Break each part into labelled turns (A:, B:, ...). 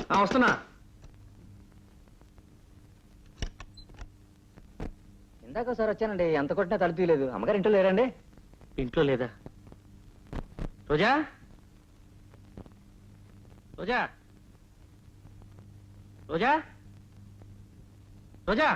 A: వస్తున్నా.
B: ఇందాక సార్ వచ్చానండి, ఎంత కొట్టినా తలుపు తీయలేదు. అమ్మగారు ఇంట్లో లేరండి?
A: ఇంట్లో లేదా? రోజా, రోజా, రోజా, రోజా.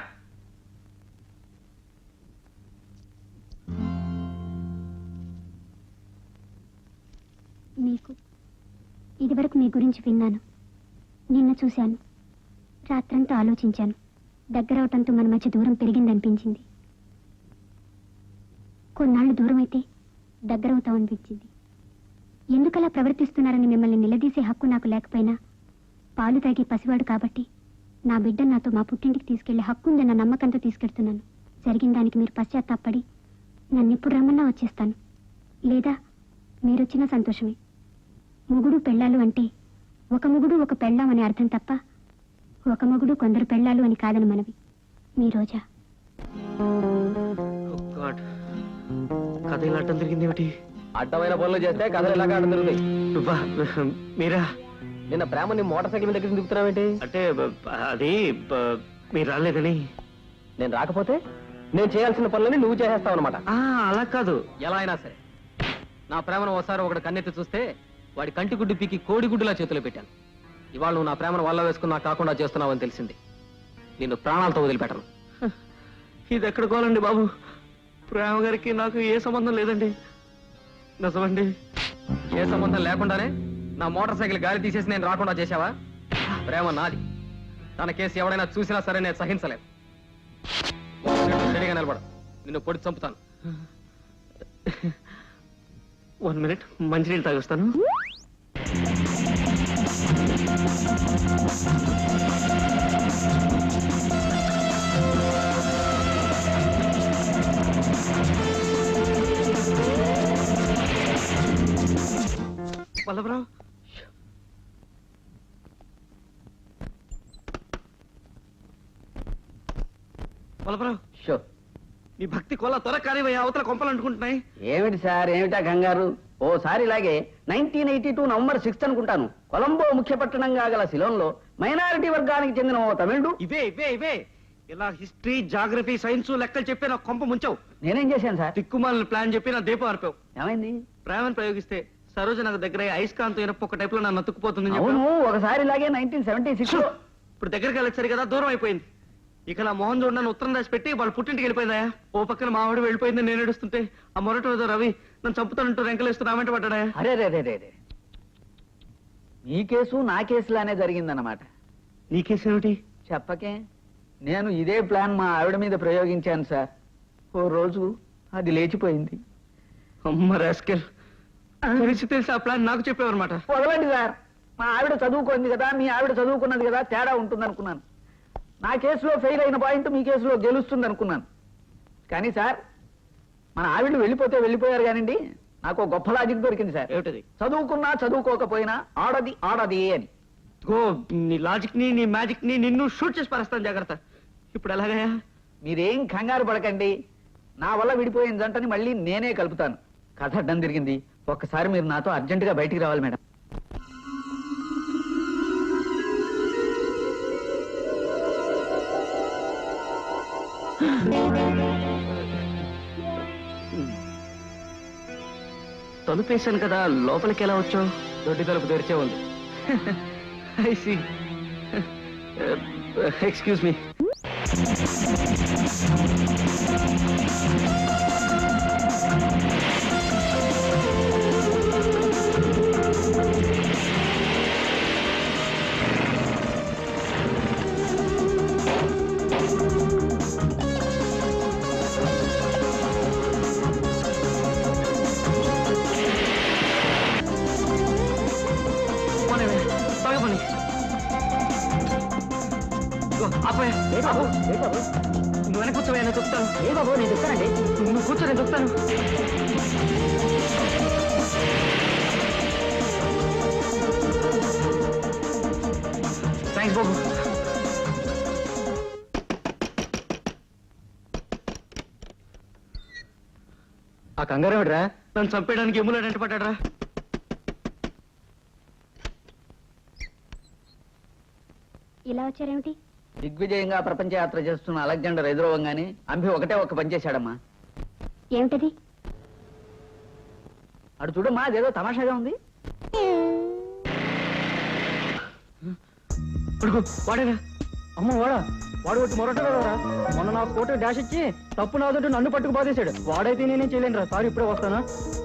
C: మీకు ఇదివరకు మీ గురించి విన్నాను, నిన్న చూశాను, రాత్రంతా ఆలోచించాను. దగ్గరవటంతో మన మధ్య దూరం పెరిగిందనిపించింది. కొన్నాళ్ళు దూరం అయితే దగ్గరవుతామనిపించింది. ఎందుకలా ప్రవర్తిస్తున్నారని మిమ్మల్ని నిలదీసే హక్కు నాకు లేకపోయినా, పాలు తాగి పసివాడు కాబట్టి నా బిడ్డ నాతో మా పుట్టింటికి తీసుకెళ్లే హక్కు ఉందన్న నమ్మకంతో తీసుకెళ్తున్నాను. జరిగిన దానికి మీరు పశ్చాత్తాపడి నన్ను ఎప్పుడు రమ్మన్నా వచ్చేస్తాను, లేదా మీరొచ్చినా సంతోషమే. మొగుడు పెళ్ళాలు అంటే ఒక మొగుడు ఒక పెళ్ళాం అని అర్థం తప్ప, ఒక మొగుడు కొందరు పెళ్ళాలు అని కాదని మనవి. మీ రోజా.
A: కథ ఇలా అడ్డం తిరిగింది ఏమిటి?
B: అడ్డమైన పనులు చేస్తే కథలు ఇలాగా అడ్డం తిరుగుతాయి.
A: మీరా?
B: నిన్న ప్రేమని మోటార్ సైకిల్ దగ్గర దిగుతున్నావేంటి?
A: అంటే అది మీరు రాలేదని.
B: నేను రాకపోతే నేను చేయాల్సిన పనులని నువ్వు చేసేస్తావు అనమాట.
A: అలా కాదు.
B: ఎలా అయినా సరే నా ప్రేమను ఒకసారి ఒకటి కన్నెత్తి చూస్తే వాడి కంటి గుడ్డు పీకి కోడి గుడ్డులా చేతిలో పెట్టాను. ఇవాళ నువ్వు నా ప్రేమను వల్ల వేసుకున్నా కాకుండా చేస్తున్నావని తెలిసింది. నిన్ను ప్రాణాలతో వదిలిపెట్టను.
A: ఇది ఎక్కడ కోలండి బాబు? ప్రేమ గారికి నాకు ఏ సంబంధం లేదండి. నిజమండి.
B: ఏ సంబంధం లేకుండానే నా మోటార్ సైకిల్ గాలి తీసేసి నేను రాకుండా చేశావా? ప్రేమ నాది. తన కేసు ఎవడైనా చూసినా సరే నేను సహించలేదు. రెడీగా నిలబడ, నిన్ను పొడి చంపుతాను.
A: 1 minute, మంచినీళ్ళు తాగొస్తాను. వల్లభరావు, వల్లభరావు, నీ భక్తి కొల్ల త్వర కానివయ్యా, అవతల కొంపలు అంటుకుంటున్నాయి.
D: ఏమిటి సార్, ఏమిటా కంగారు? ఓసారి ఇలాగే 1982 నవంబర్ 6 అనుకుంటాను, కొలంబో ముఖ్య పట్టణంగా గల సిలోన్లో మైనారిటీ వర్గానికి చెందిన ఓ తమిళుడు.
A: ఇవే ఇలా హిస్టరీ, జాగ్రఫీ, సైన్స్ లెక్కలు చెప్పి నా కొంప ముంచావు.
D: నేనేం చేశాను సార్?
A: దిక్కుమాలని ప్లాన్ చెప్పి నా దీపం ఆర్పావు.
D: ఏమైంది?
A: ప్రేమను ప్రయోగిస్తే సరోజ నాకు దగ్గర అయస్కాంతం ఇనప్ప ఒక టైప్ లో నన్ను నతుక్కుపోతుంది.
D: అవును, ఒకసారి ఇలాగే 1976
A: ఇప్పుడు దగ్గరికి వెళ్ళొచ్చారు కదా, దూరం అయిపోయింది. ఇక నా మోహన్ చూడ నన్ను ఉత్తరం రాసి పెట్టి వాళ్ళ పుట్టింటికి వెళ్ళిపోయిందా? ఓ పక్కన మావాడు వెళ్ళిపోయింది, నేను ఏడుస్తుంటే ఆ మొరటి రోజు రవి నన్ను చంపుతానంటూ రెంకలేస్తూ నా వెంట పడ్డా.
D: అరే రే రే రే, నీ కేసు నా కేసులానే జరిగిందన్నమాట.
A: నీ కేసు ఏమిటి?
D: చెప్పకే. నేను ఇదే ప్లాన్ మా ఆవిడ మీద ప్రయోగించాను సార్. ఓ రోజు అది లేచిపోయింది.
A: అమ్మ రాస్కెల్, తెలిసి ఆ ప్లాన్ నాకు చెప్పేవన్నమాట.
D: వదలండి సార్, మా ఆవిడ చదువుకుంది కదా, మీ ఆవిడ చదువుకున్నది కదా, తేడా ఉంటుంది అనుకున్నాను. నా కేసులో ఫెయిల్ అయిన పాయింట్ మీ కేసులో గెలుస్తుంది అనుకున్నాను. కానీ సార్, మన ఆవిడ వెళ్ళిపోతే వెళ్ళిపోయారు కానివ్వండి, నాకు గొప్ప లాజిక్ దొరికింది సార్.
A: ఏమిటది?
D: చదువుకున్నా చదువుకోకపోయినా ఆడది ఆడది అని.
A: నీ లాజిక్ ని, నీ మ్యాజిక్ ని నిన్ను షూట్ చేసి పరేస్తాను, జాగ్రత్త. ఇప్పుడు ఎలాగయా?
D: మీరేం కంగారు పడకండి, నా వల్ల విడిపోయిన జంటని మళ్ళీ నేనే కలుపుతాను. కథ అడ్డం తిరిగింది, ఒక్కసారి మీరు నాతో అర్జెంటుగా బయటికి రావాలి మేడం.
A: తలుపేశాను కదా, లోపలికి ఎలా వచ్చావు?
B: దొడ్డి తలుపు తెరిచే ఉంది.
A: I see. Excuse me. నువ్వు వెనక కూర్చోవా, నేను చెప్తాను.
D: ఏ బాబు, నేను చెప్తానండి.
A: నువ్వు కూర్చో, నేను చెప్తాను. థ్యాంక్స్ బాబు.
B: ఆ కంగారు ఏమిట్రా?
A: నన్ను చంపేయడానికి ఎమ్ములాడు ఎంట పడ్డాడ్రా.
C: ఇలా వచ్చారేమిటి?
D: దిగ్విజయంగా ప్రపంచ యాత్ర చేస్తున్న అలెగ్జాండర్ ఎదురవ్వగానే అంబి ఒకటే ఒక్క పని చేశాడమ్మా.
C: ఏమిటది?
D: అటు చూడమ్మా, అదేదో తమాషాగా ఉంది.
A: అడుగు వాడేనా?
E: అమ్మ వాడా, వాడు ఒకటి మొరటరా. మొన్న నా ఫోటో డాష్ ఇచ్చి తప్పు నాదంటూ నన్ను పట్టుకు బాధేశాడు. వాడైతే నేనేం చేయలేనురా. సారీ, ఇప్పుడే వస్తానా.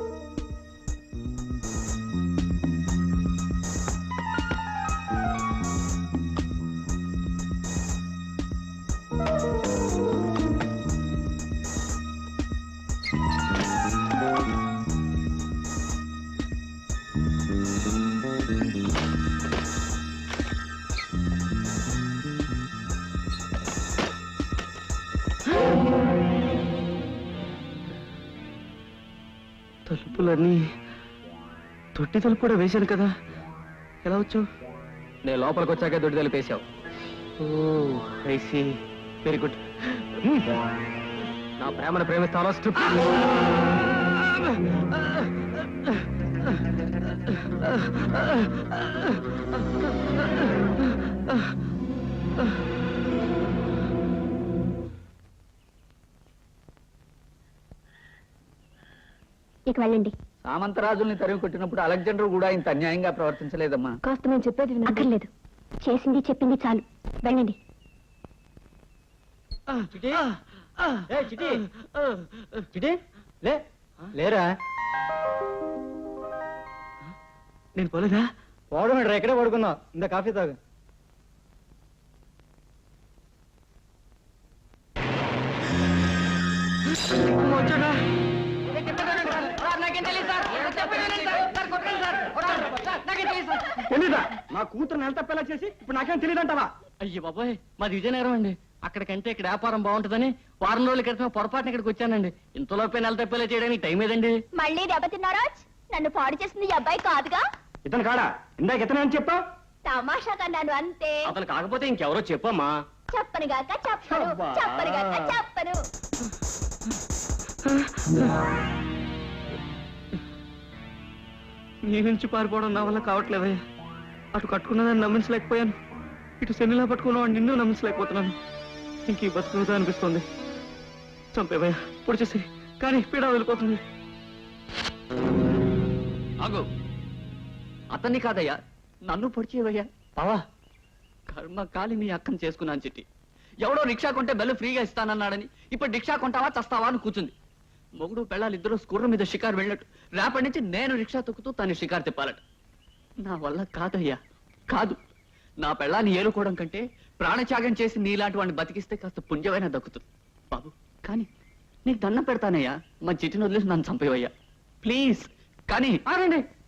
A: తలుపులన్నీ తొట్టి తలుపు కూడా వేశాను కదా, ఎలా వచ్చావు?
B: నేను లోపలికి వచ్చాకే దొడ్డి తెలిపేశావు.
A: Oh I see, very good.
B: నా ప్రేమను ప్రేమిస్తానో స్ట్రిప్.
C: ఇక వెళ్ళండి.
D: సామంతరాజుల్ని తరిమి కొట్టినప్పుడు అలెగ్జాండర్ కూడా ఇంత అన్యాయంగా ప్రవర్తించలేదమ్మా.
C: కాస్త నేను చెప్పేది అక్కర్లేదు. చేసింది చెప్పింది చాలు, వెళ్ళండి.
E: చిటి, ఏ చిటి, చిటి, లే, లేరా.
A: నేను పోలేదా?
E: వాడు ఎక్కడే పడుకున్నా. ఇంత కాఫీ తాగు.
A: వచ్చాడా?
E: తెలీదా? నా కూతురు నెల తప్పేలా చేసి ఇప్పుడు నాకేం తెలియదంటావా?
A: అయ్యో బాబాయ్, మాది విజయనగరం అండి. అక్కడికంటే ఇక్కడ వ్యాపారం బాగుంటుందని వారం రోజుల క్రితం పొరపాటున ఇక్కడికి వచ్చానండి. ఇంతలోపే నెల తప్పేలా చేయడానికి టైం ఏదండి?
C: మళ్ళీ దెబ్బతిన్నారా? నన్ను పాడు చేసింది ఈ అబ్బాయి కాదుగా.
E: ఇతను కాడా? ఇందాక ఇతను అని చెప్పా.
C: తమాషాగా నన్ను అంతే.
A: అతను కాకపోతే ఇంకెవరో చెప్పమ్మా.
C: చెప్పనుగాక చెప్పను,
E: అబ్బా.
C: చెప్పనుగాక చెప్పను.
A: నీ నుంచి పారిపోవడం నా వల్ల కావట్లేదయ్యా. అటు కట్టుకున్నదాన్ని నమ్మించలేకపోయాను, ఇటు శనిలా పట్టుకున్నవాడు నిన్ను నమ్మించలేకపోతున్నాను. ఇంక ఈ బతుకుదా అనిపిస్తుంది. చంపేవయ్యా, పొడి చేసి, కానీ పీడ వెళ్ళిపోతుంది.
D: ఆగు, అతన్ని కాదయ్యా, నన్ను పొడిచేవయ్యా.
A: బావా,
D: కర్మ కాలి నీ అక్కను చేసుకున్నాను చిట్టి. ఎవడో రిక్షా కొంటే బెల్లు ఫ్రీగా ఇస్తానన్నాడని ఇప్పుడు రిక్షా కొంటావా చస్తావా అని కూర్చుంది. మొగుడు పెళ్ళాలిద్దరూ స్కూర్ర మీద షికారు వెళ్ళినట్టు రేపటి నుంచి నేను రిక్షా తొక్కుతూ తను షికారు తిప్పాలట. నా వల్ల కాదయ్యా, కాదు. నా పెళ్ళాన్ని ఏలుకోవడం కంటే ప్రాణత్యాగం చేసి నీలాంటి వాడిని బతికిస్తే కాస్త పుణ్యమైనా దక్కుతుంది బాబు. కానీ నీకు దండం పెడతానయ్యా, మా చిట్టిని వదిలేసి నన్ను చంపేవయ్యా ప్లీజ్. కానీ
A: ఆగండి.